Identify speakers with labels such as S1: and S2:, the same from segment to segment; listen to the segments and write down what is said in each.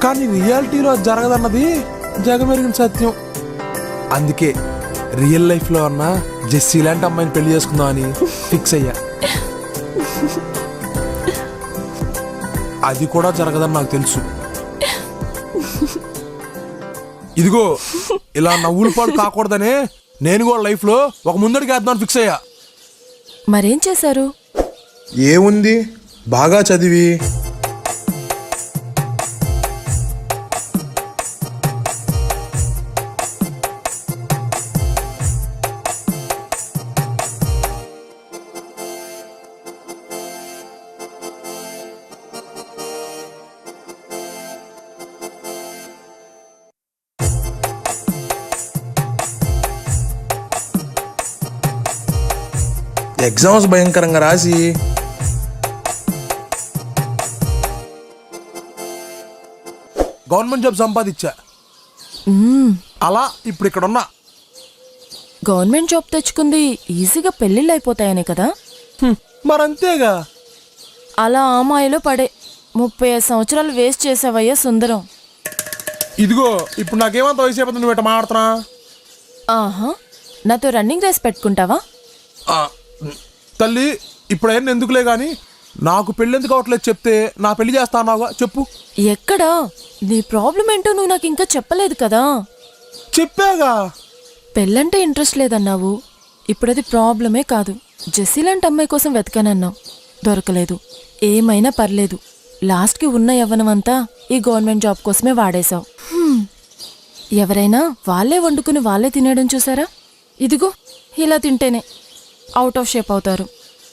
S1: కానీ రియాలిటీలో అది జరగదన్నది జగమెరిగిన సత్యం. అందుకే రియల్ లైఫ్ లో అన్న జెస్సీ లాంటి అమ్మాయిని పెళ్లి చేసుకుందాం అని ఫిక్స్ అయ్యా. అది కూడా జరగదని నాకు తెలుసు. ఇదిగో ఇలా నవ్వులు పాడు కాకూడదనే నేను కూడా లైఫ్ లో ఒక ముందడికి వేద్దామని ఫిక్స్ అయ్యా.
S2: మరేం చేశారు?
S1: ఏముంది, బాగా చదివి ఎగ్జామ్స్ భయంకరంగా రాసి గవర్నమెంట్ జాబ్ సంపాదించా. అలా ఇప్పుడు ఇక్కడ ఉన్నా.
S2: గవర్నమెంట్ జాబ్ తెచ్చుకుంది ఈజీగా పెళ్లిళ్ళు అయిపోతాయనే కదా.
S1: మరంతేగా.
S2: అలా అమ్మాయిలో పడే 35 సంవత్సరాలు వేస్ట్ చేసావయ్యా సుందరం.
S1: ఇదిగో ఇప్పుడు నాకేమంత వయసు అయిపోతుంది, నువ్వు ఇట్లా మాట్లాడుతున్నా.
S2: ఆహా, నాతో రన్నింగ్ రేస్ పెట్టుకుంటావా?
S1: తల్లి ఇప్పుడు అయినా ఎందుకులే గాని నాకు పెళ్ళి ఎందుకు అవట్లేదు చెప్తే నా పెళ్లి చేస్తానావుగా, చెప్పు.
S2: ఎక్కడా? నీ ప్రాబ్లం ఏంటో నువ్వు నాకు ఇంకా చెప్పలేదు కదా.
S1: చెప్పాగా.
S2: పెళ్ళంటే ఇంట్రెస్ట్ లేదన్నావు. ఇప్పుడది ప్రాబ్లమే కాదు. జెస్సీ లాంటి అమ్మాయి కోసం వెతకానన్నావు, దొరకలేదు. ఏమైనా పర్లేదు, లాస్ట్కి ఉన్న యవ్వనమంతా ఈ గవర్నమెంట్ జాబ్ కోసమే వాడేశావు. ఎవరైనా వాళ్ళే వండుకుని వాళ్ళే తినేయడం చూసారా? ఇదిగో ఇలా తింటేనే అవుట్ ఆఫ్ షేప్ అవుతారు.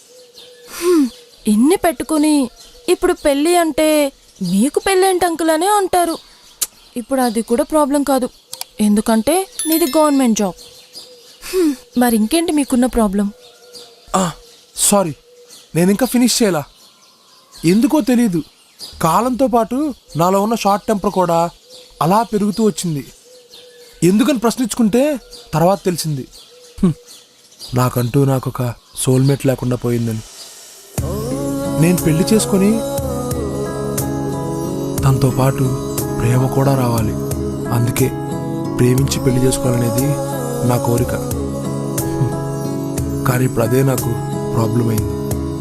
S2: ఇన్ని పెట్టుకుని ఇప్పుడు పెళ్ళి అంటే మీకు పెళ్ళేంటి అంకుల్ అనే అంటారు. ఇప్పుడు అది కూడా ప్రాబ్లం కాదు, ఎందుకంటే నీది గవర్నమెంట్ జాబ్. మరి ఇంకేంటి మీకున్న ప్రాబ్లం?
S1: సారీ, నేను ఇంకా ఫినిష్ చేయాలా. ఎందుకో తెలీదు, కాలంతో పాటు నాలో ఉన్న షార్ట్ టెంపర్ కూడా అలా పెరుగుతూ వచ్చింది. ఎందుకని ప్రశ్నించుకుంటే తర్వాత తెలిసింది, నాకంటూ నాకొక సోల్మేట్ లేకుండా పోయిందని. నేను పెళ్లి చేసుకొని తనతో పాటు ప్రేమ కూడా రావాలి. అందుకే ప్రేమించి పెళ్లి చేసుకోవాలనేది నా కోరిక. కానీ ఇప్పుడు అదే నాకు ప్రాబ్లం అయింది.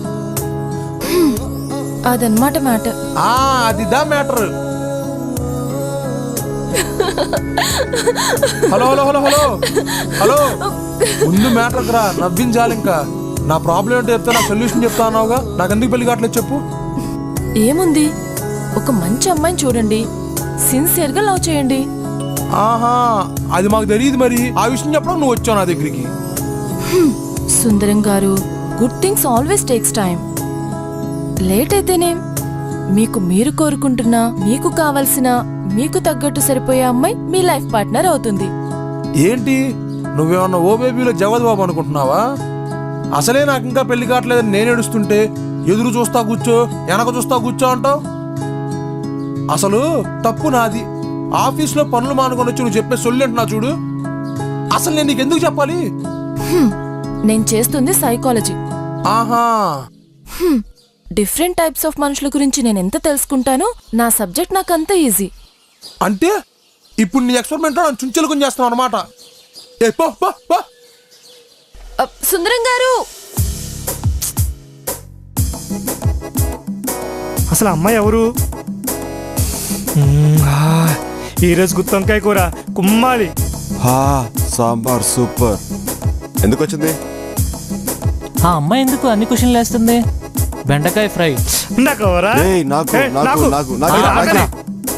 S2: అదన్నమాట మ్యాటర్.
S1: అదిదా matter. Hello hello hello hello hello, ముందు మ్యాటర్కి రా, నవ్వించాలి. ఇంకా నా ప్రాబ్లం ఏంటో చెప్తే నా సొల్యూషన్ చెప్తా అన్నావుగా, నాకు ఎందుకు పెళ్లి కావట్లేదు చెప్పు.
S2: ఏముంది, ఒక మంచి అమ్మాయిని చూడండి, సిన్సియర్గా లవ్ చేయండి.
S1: ఆహా, అది మాకు తెలియదు. మరి ఆ విషయం చెప్పడం నువ్వు వచ్చావు నా దగ్గరికి.
S2: సుందరం గారు, good things always takes time. Late అయితేనే మీకు మీరు కోరుకుంటున్నా, మీకు కావలసిన, మీకు తగ్గట్టు సరిపోయే అమ్మాయి మీ లైఫ్ పార్ట్నర్ అవుతుంది.
S1: ఏంటి నువ్వేమన్నా ఓ బేబీలో జగద్ బాబు అనుకుంటున్నావా? అసలే నాకు ఇంకా పెళ్లి కావట్లేదని నేను ఏడుస్తుంటే ఎదురు చూస్తా కూర్చో, వెనక చూస్తా కూర్చో అంటావు. అసలు తప్పు నాది. ఆఫీస్లో పనులు మానుకొని వచ్చి నువ్వు చెప్పే సొల్లేంటున్నా చూడు. అసలు నేను నీకు ఎందుకు చెప్పాలి?
S2: నేను చేస్తుంది సైకాలజీ.
S1: ఆహా,
S2: డిఫరెంట్ టైప్స్ ఆఫ్ మనుషుల గురించి నేను ఎంత తెలుసుకుంటానో నా సబ్జెక్ట్ నాకు అంత ఈజీ.
S1: అంటే ఇప్పుడు నీ ఎక్స్పెరిమెంట్లో నన్ను చుంచెలుకొని చేస్తున్నావు అనమాట.
S2: సుందరం గారు,
S3: అసలు అమ్మాయి ఎవరు? ఈరోజు గుత్తొంకాయ కూర కుమ్మాలి.
S4: సాంబార్ సూపర్. ఎందుకు వచ్చింది
S5: ఆ అమ్మాయి? ఎందుకు అన్ని క్వశ్చన్లు వేస్తుంది? బెండకాయ ఫ్రై.
S4: నాకు